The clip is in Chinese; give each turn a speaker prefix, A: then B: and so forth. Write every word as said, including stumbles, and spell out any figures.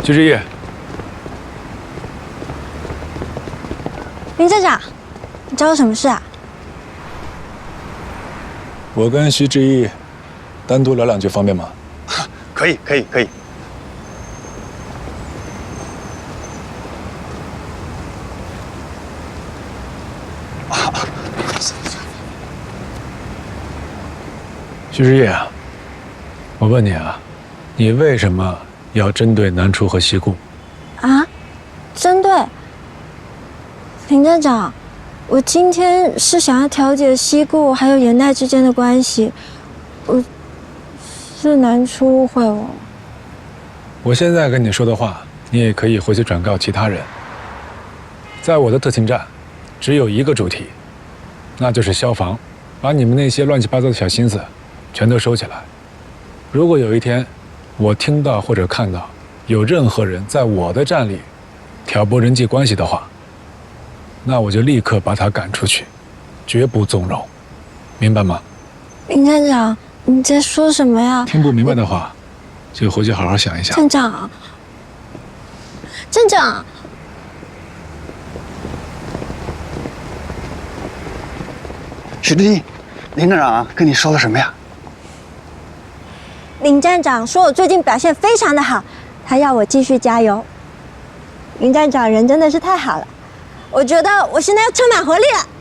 A: 徐志毅，
B: 林站长，你找我什么事啊？
A: 我跟徐志毅单独聊两句，方便吗？
C: 可以，可以，可以。
A: 徐志毅啊，我问你啊，你为什么要针对南初和西顾？
B: 啊？针对？林站长，我今天是想要调解西顾还有严代之间的关系，我是南初误会我。
A: 我现在跟你说的话，你也可以回去转告其他人。在我的特勤站，只有一个主题，那就是消防，把你们那些乱七八糟的小心思全都收起来。如果有一天我听到或者看到有任何人在我的站里挑拨人际关系的话，那我就立刻把他赶出去，绝不纵容，明白吗？
B: 林站长，你在说什么呀？
A: 听不明白的话，就回去好好想一想。
B: 站长，站长，
C: 许志毅，林站长跟你说了什么呀？
B: 林站长说我最近表现非常的好，他要我继续加油。林站长人真的是太好了，我觉得我现在又充满活力了。